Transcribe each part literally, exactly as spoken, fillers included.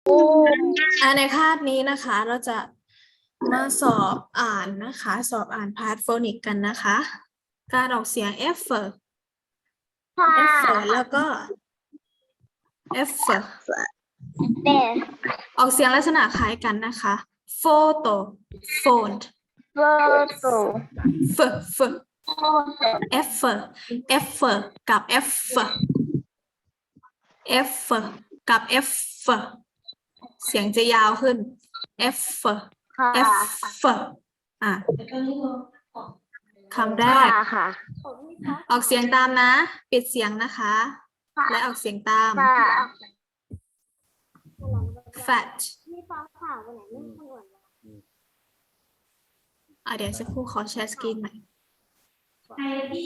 อ่าในคาบนี้นะคะเราจะมาสอบอ่านนะคะ สอบอ่านพาร์ทโฟนิกกันนะคะ การออกเสียง f ค่ะ f แล้วก็ f เด็กออกเสียงลักษณะคล้ายกันนะคะ photo phone โฟโต้ f f โฟโต้ f f กับ f f กับ f เสียงจะยาวขึ้น f ค่ะ f อ่ะคำแรค่ะกค่ะออกเสียงตามนะ ปิดเสียงนะคะ และออกเสียงตามค่ะ fat อ่ะเดี๋ยวสักครู่ขอแชร์สกรีนใหม่ใครที่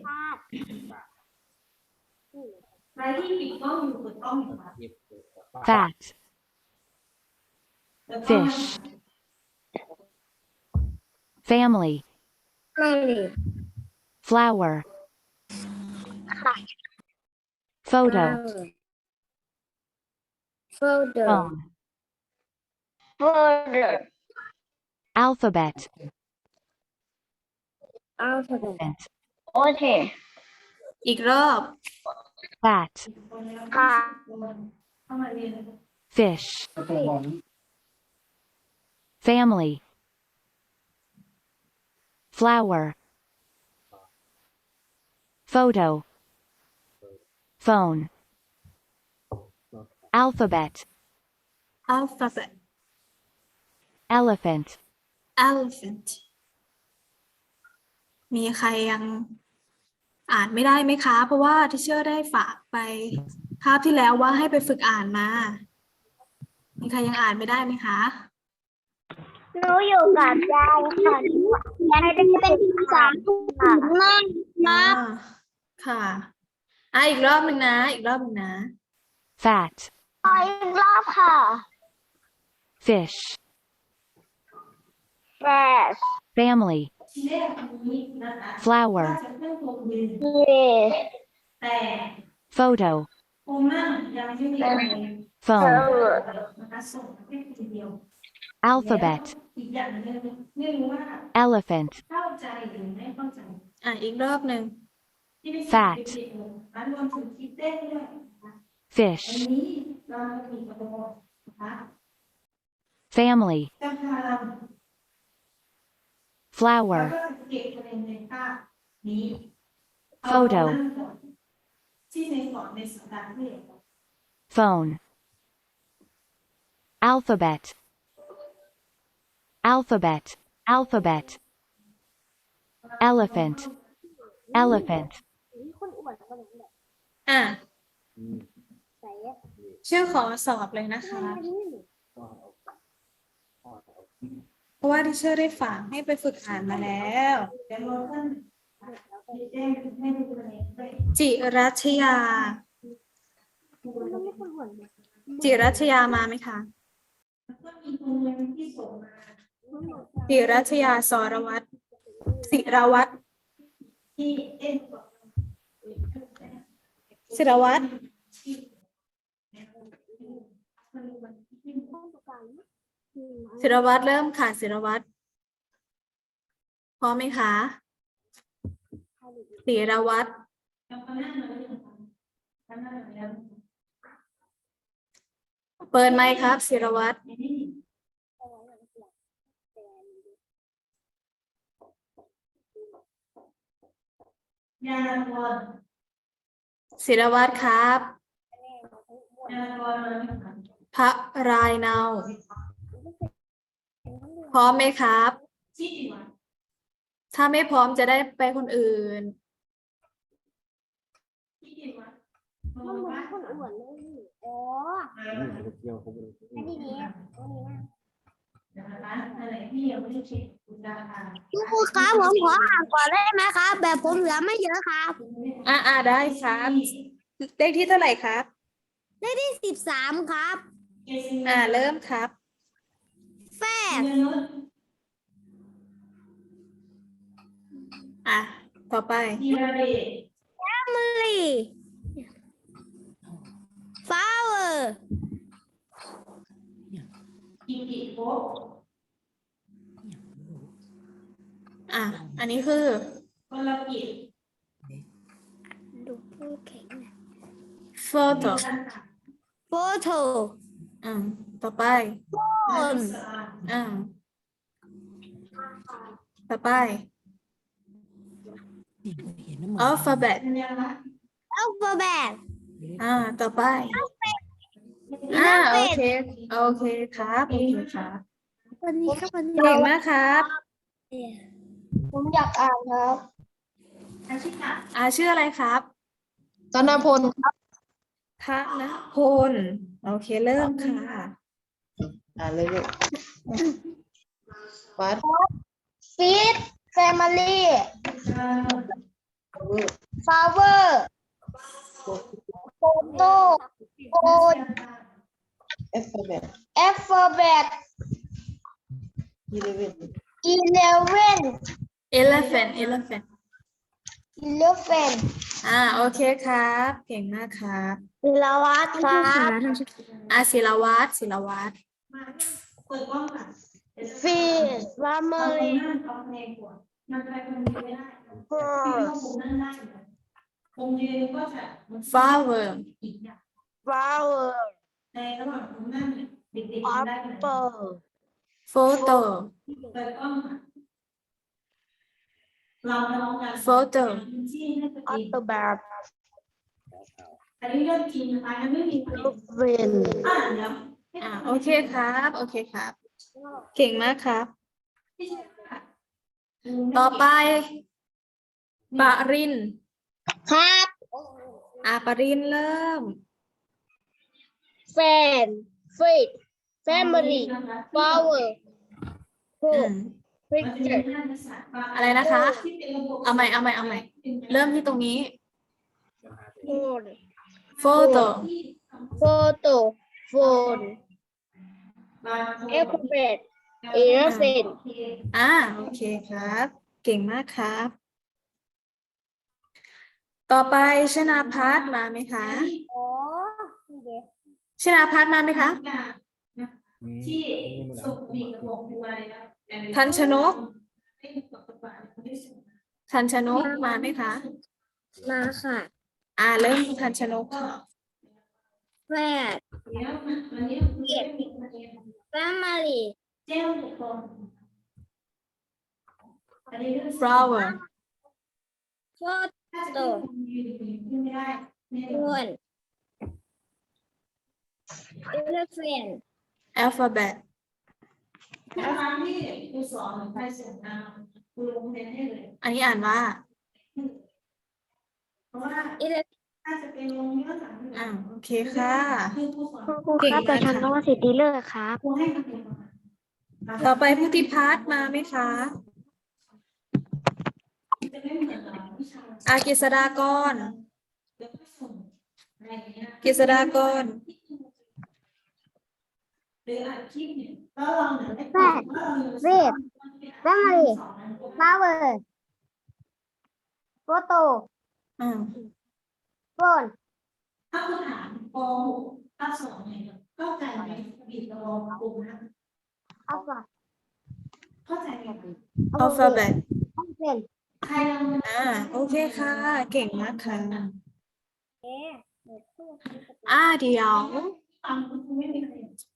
ใครที่ปิดกล้องอยู่เปิดกล้องอยู่ค่ะ fat, fish, family, ไม่ flower, ค่ะ photo, โฟโต้ phone, โฟโต้ alphabet, อัลฟาเบต elephant, โอเคอีกรอบ fat, ค่ะ fish, family, flower, photo, phone, alphabet, alphabet elephant, elephant มีใครยังอ่านไม่ได้ไหมคะ เพราะว่าที่เชื่อได้ฝากไปคาบที่แล้วว่าให้ไปฝึกอ่านมา มีใครยังอ่านไม่ได้ไหมคะหนูอยู่กับยายค่ะยายเป็นเป็นสามค่ะมากอ่าค่ะอ่ะอีกรอบหนึ่งนะ อีกรอบหนึ่งนะ fat, อีกรอบค่ะ fish, fresh family, flower, yes photo, ครูมั่งยังไม่มีใคร phone, นะคะส่งให้ทีเดียว alphabet, อีกอย่างหนึ่งไม่รู้ว่า elephant, เข้าใจหรือไม่เข้าใจอ่ะอีกรอบหนึ่ง fat, อันรวมถึงคิดเต้นด้วยนะคะ fish, อันนี้เรามีกระโดดนะคะ family, จะพาเรา flower, แล้วก็เก็บคะแนนในภาพนี้ photo, เอาหน้าก่อนที่ในสอนในสัปดาห์ที่แล้ว phone, alphabet, alphabet, alphabet, elephant, elephant, อ่ะเชื่อขอสอบเลยนะคะ เพราะว่าที่เชื่อได้ฝากให้ไปฝึกอ่านมาแล้วจิรัชยา จิรัชยามาไหมคะ จิรัชยาสรวัตรศิรวัตรศิรวัตรศิรวัตรเริ่มค่ะศิรวัตรพร้อมไหมคะศิรวัตรเปิดไมค์ครับศิรวัตรศิรวัตรครับพระรายเนาพร้อมไหมครับ ถ้าไม่พร้อมจะได้ไปคนอื่นมันเหมือนคนอ้วนเลยอ๋ออันนี้นี่อันนี้นะครูครับผมขออ่านก่อนได้ไหมครับ แบบผมเหลือไม่เยอะครับอ่าอ่าได้ครับเลขที่เท่าไหร่ครับได้ที่สิบสามครับอ่าเริ่มครับแฟดอ่ะต่อไป family flower อ่ะ อันนี้คือดูพูดแข็งนะ photo photo อ่าต่อไป phone อ่าต่อไป alphabet alphabet อ่า ต่อไป อ่า โอเค โอเคครับ โอเคครับวันนี้ครับวันนี้เก่งมากครับผมอยากอ่านครับอ่าชื่ออะไรครับธนพลครับธนพล โอเค เริ่มค่ะอ่านเลยลูกวัด feed family flower photo phone เอฟเบด alphabet ยีเลเวน eleven elephant elephant eleven อ่า โอเคครับ เก่งมากครับศิลวัฒน์ครับอ่าศิลวัฒน์ศิลวัฒน์ feed family flower flower apple photo photo alphabet อันนี้เรื่องจริงนะคะยังไม่มีประเด็น eleven อ่าเดี๋ยวอ่าโอเคครับ โอเคครับ เก่งมากครับ ต่อไป ปรินครับอ่าปรินเริ่ม fan feed family flower อืม picture อะไรนะคะ เอาใหม่ เอาใหม่ เอาใหม่ เริ่มที่ตรงนี้ phone photo photo phone alphabet eleven อ่า โอเคครับ เก่งมากครับ ต่อไปชนาพัฒน์มาไหมคะอ๋อชนาพัฒน์มาไหมคะที่สุขมีกระบอกบัวเลยนะทันชนก ทันชนกมาไหมคะมาค่ะอ่า เริ่มทันชนกค่ะแฟดเดี๋ยววันนี้เก็บมีประเด็น family เจ้าหนึ่งคนอันนี้เรื่อง flower ถ้าจะต้องยืนขึ้นไม่ได้ไม่ได้ phone elephant alphabet ถ้าครั้งที่ครูสอนหรือใครส่งมาครูลงคะแนนให้เลยอันนี้อ่านว่าเพราะว่า elephant ถ้าจะเป็นลงเนื้อหาอ่า โอเคค่ะคือครูสอนครูครับแต่ฉันต้องสิทธิเลิกครับครูให้คะแนนมาต่อไปพุทธิพัฒน์มาไหมคะจะไม่เหมือนกับวิชาอากฤษฎากรเดี๋ยวก็ส่งอะไรอย่างเงี้ยกฤษฎากรหรืออ่านคลิปเนี่ยก็ลองหนึ่งได้แปดเวท family flower photo อ่า phone ถ้าคุณถามป .หก ภาคสองเนี่ยเข้าใจไหมบิดระวงกลุ่มนะ alpha เข้าใจไหม alphabet alphabet ใครยังอ่า โอเคค่ะ เก่งมากค่ะ อ่า เดี๋ยวฟังคุณไม่มีใคร